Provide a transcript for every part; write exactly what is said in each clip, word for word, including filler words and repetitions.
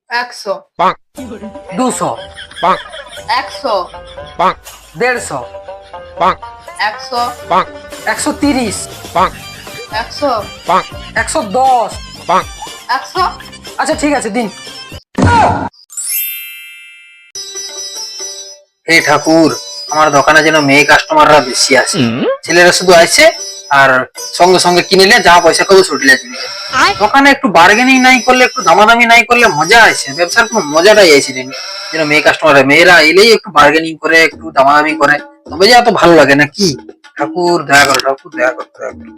একশো, দুশো, একশো, দেড়শো, একশো, একশো তিরিশ, একশো, একশো দশ। একশো। আচ্ছা ঠিক আছে, দিন। হে ঠাকুর, আমার দোকানে যেন মেয়ে কাস্টমাররা বেশি আছে, ছেলেরা শুধু আসছে আর সঙ্গে সঙ্গে কিনে নিলে যা পয়সা কবে ছুটলে চলে যায়। দোকানে একটু বার্গেনিং নাই করলে, একটু দামাদামি নাই করলে মজা আছে, ব্যবসার কোনো মজাটাই আছে না। যেন মেয়ে কাস্টমার, মেয়েরা এলেই একটু বার্গেনিং করে, একটু দামাদামি করে, তবে যে এত ভালো লাগে না কি। ঠাকুর দয়া করো, ঠাকুর দয়া করো, দয়া করো।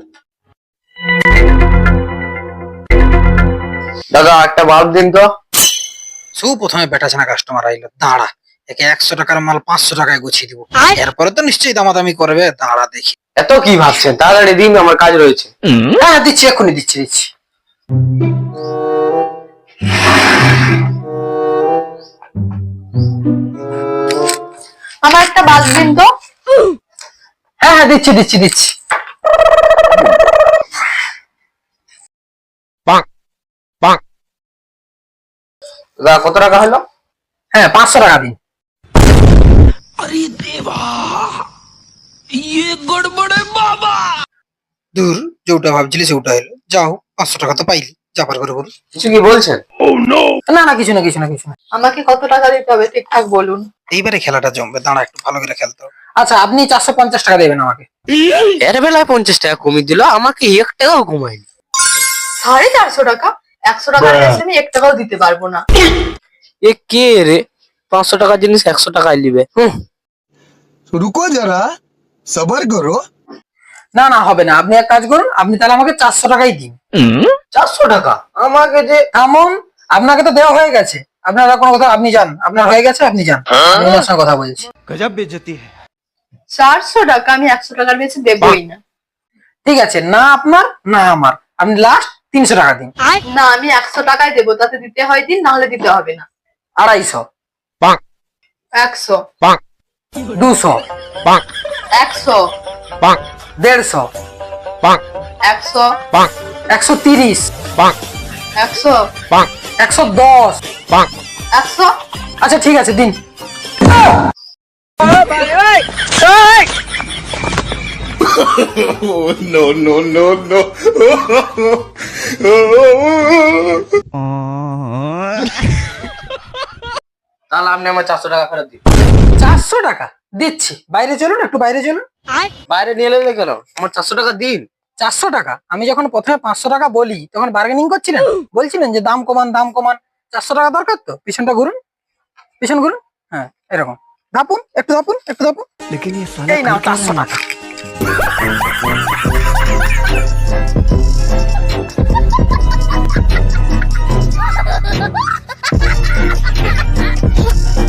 দাদা একটা বাল্ব দিন তো। সু প্রথমে বেটাছানা কাস্টমার আইলো, দাঁড়া একে একশো টাকার মাল পাঁচশো টাকায় গুছিয়ে দিব, এরপরে তো নিশ্চয়ই দামাদামি করবে, দাঁড়া দেখি। এত কি ভাবছেন, তাড়াতাড়ি দিন, আমার কাজ রয়েছে। হ্যাঁ দিচ্ছি, এক্ষুনি দিচ্ছি দিচ্ছি। আমার একটা বাল্ব দিন তো। হ্যাঁ হ্যাঁ দিচ্ছি দিচ্ছি দিচ্ছি। দাদা কত টাকা হলো? হ্যাঁ পাঁচশো টাকা দিন। দূর, যেটা ভাবছিলি সেটা হলো, যাও পাঁচশো টাকা তো পাইলি, যাবার করে বলুন। কিছু কি বলছেন? না না কিছু না কিছু না কিছু না। আমাকে কত টাকা দিতে হবে ঠিকঠাক বলুন। এইবারে খেলাটা জমবে, দাঁড়া একটু ভালো করে খেলতে হবে। আচ্ছা আপনি চারশো পঞ্চাশ টাকা দেবেন আমাকে। এর বেলায় পঞ্চাশ টাকা কমিয়ে দিল, আমাকে এক টাকাও কমায়নি। সাড়ে চারশো টাকা? একশো টাকার বেশি আমি এক টাকাও দিতে পারবো না। এ কে রে, পাঁচশো টাকার জিনিস একশো টাকায় নিবে? रुको जरा सबर करो। না না হবে না, আপনি এক কাজ করুন, আপনি তাহলে আমাকে চারশো টাকাই দিন। চারশো টাকা আমাকে যে। এমন, আপনাকে তো দেওয়া হয়ে গেছে, আপনার আর কোনো কথা, আপনি যান, আপনার হয়ে গেছে, আপনি যান, আমি ওনার সঙ্গে কথা বলছি। गजब बेइज्जती है। চারশো টাকা আমি একশো টাকার বেশি দেবই না। ঠিক আছে, না আপনার না আমার, আপনি লাস্ট তিনশো টাকা দিন। না আমি একশো টাকায় দেবো, তাতে দিতে হয় দিন, নাহলে দিতে হবে না। আড়াইশো, একশো, দুশো, একশো, দেড়শো, একশো, একশো তিরিশ, একশো, একশো দশ। একশো। আচ্ছা ঠিক আছে, দিন। No no no no. তাহলে আপনি আমার চারশো টাকা ফেরত দিন। চারশো টাকা দিচ্ছি, বাইরে চলুন, একটু বাইরে চলুন। বাইরে নিয়ে এলে কেন, আমার চারশো টাকা দিন। চারশো টাকা? আমি যখন প্রথমে পাঁচশো টাকা বলি তখন বার্গেনিং করছিলেন, বলছিলেন যে দাম কমান দাম কমান, চারশো টাকা দরকার তো, পিছনটা ঘুরুন, পিছন ঘুরুন, হ্যাঁ এরকম ধাপুন, একটু ধাপুন, একটু ধাপুন। लेकिन ये এই নাও চারশো টাকা।